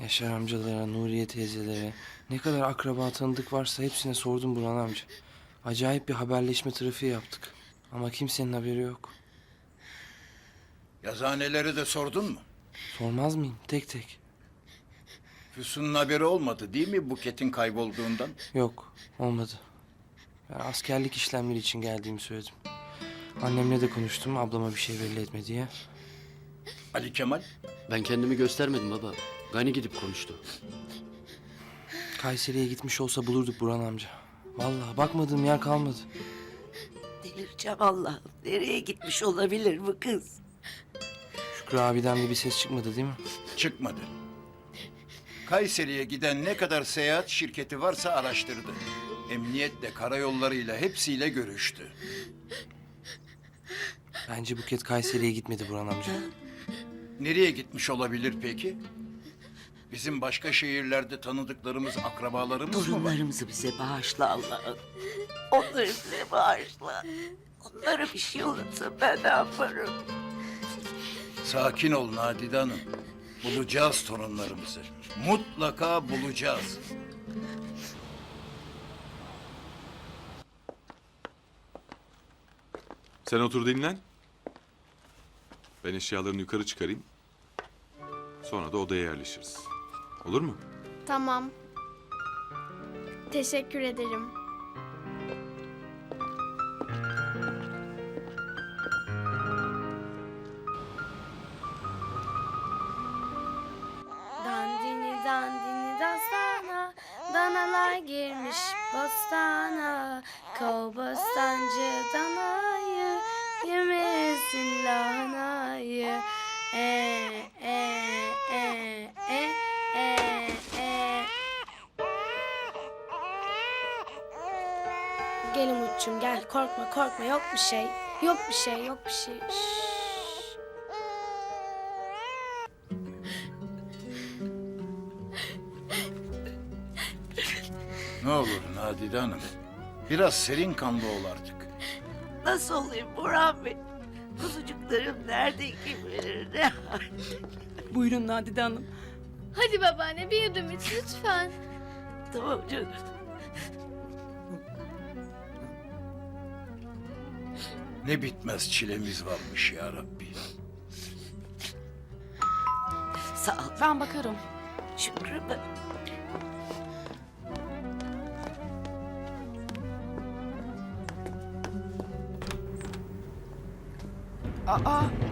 Yaşar amcalara, Nuriye teyzelere, ne kadar akraba tanıdık varsa hepsine sordum Burhan amca. Acayip bir haberleşme trafiği yaptık. Ama kimsenin haberi yok. Yazıhaneleri de sordun mu? Sormaz mıyım? Tek tek. Füsun'un haberi olmadı değil mi Buket'in kaybolduğundan? Yok, olmadı. Ben askerlik işlemleri için geldiğimi söyledim. Annemle de konuştum, ablama bir şey belli etme diye. Ali Kemal? Ben kendimi göstermedim baba. Gani gidip konuştu. Kayseri'ye gitmiş olsa bulurduk Burhan amca. Vallahi bakmadığım yer kalmadı. Delireceğim Allah'ım. Nereye gitmiş olabilir bu kız? Şükrü abiden de bir ses çıkmadı değil mi? Çıkmadı. Kayseri'ye giden ne kadar seyahat şirketi varsa araştırdı. Emniyetle, karayollarıyla hepsiyle görüştü. Bence Buket Kayseri'ye gitmedi Burhan amca. Nereye gitmiş olabilir peki? Bizim başka şehirlerde tanıdıklarımız, akrabalarımız mı var? Torunlarımızı bize bağışla Allah'ım. Onları bize bağışla. Onlara bir şey olursa ben ne yaparım? Sakin ol Nadide Hanım. Bulacağız torunlarımızı. Mutlaka bulacağız. Sen otur dinlen. Ben eşyalarını yukarı çıkarayım. Sonra da odaya yerleşiriz. Olur mu? Tamam. Teşekkür ederim. Dandini dandini dastana, danalar girmiş bostana. Kov bostancı danayı, yemesin lahanayı. E e e e e. Gel Umut'cum gel, korkma korkma, yok bir şey. Yok bir şey, yok bir şey. Şşş. Ne olur Nadide Hanım. Biraz serin kanlı ol artık. Nasıl olayım Burhan Bey? Kuzucuklarım nerede kim bilir ne halde? Buyurun Nadide Hanım. Hadi babaanne bir yudum iç lütfen. Tamam canım. Ne bitmez çilemiz varmış ya Rabbi. Sağ ol Ben bakarım. Şükrü mü? Aa,